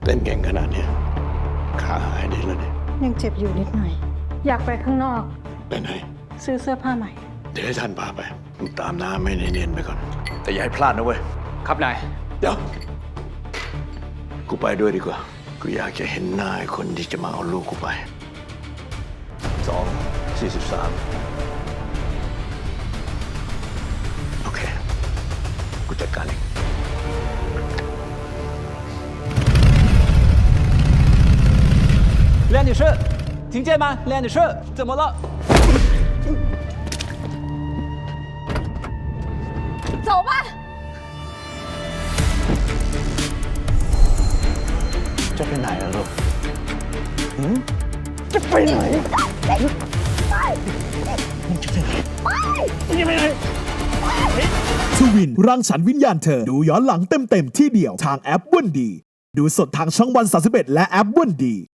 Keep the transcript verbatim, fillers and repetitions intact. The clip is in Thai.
เต้นเก่งขนาดนี้ขาหายดีแล้วเนี่ยยังเจ็บอยู่นิดหน่อย อยากไปข้างนอกไปไหนซื้อเสื้อผ้าใหม่เดี๋ยวให้ท่านพาไปมึงตามน้าไม่เนียนๆไปก่อนแต่อย่าให้พลาดนะเว้ยครับนายเดี๋ยว กูไปด้วยดีกว่า กูอยากจะเห็นหน้าไอ้คนที่จะมาเอาลูกกูไป สอง สี่สิบสาม โอเค กูจัดการเอง梁女士，听见吗？梁女士，怎么了？ 走吧。 จะไปไหนอะลูกทวินรังสรรค์วิญญาณเธอ ดูย้อนหลังเต็มๆที่เดียวทางแอปวันดี ดูสดทางช่องวันสามสิบเอ็ดและแอปวันดี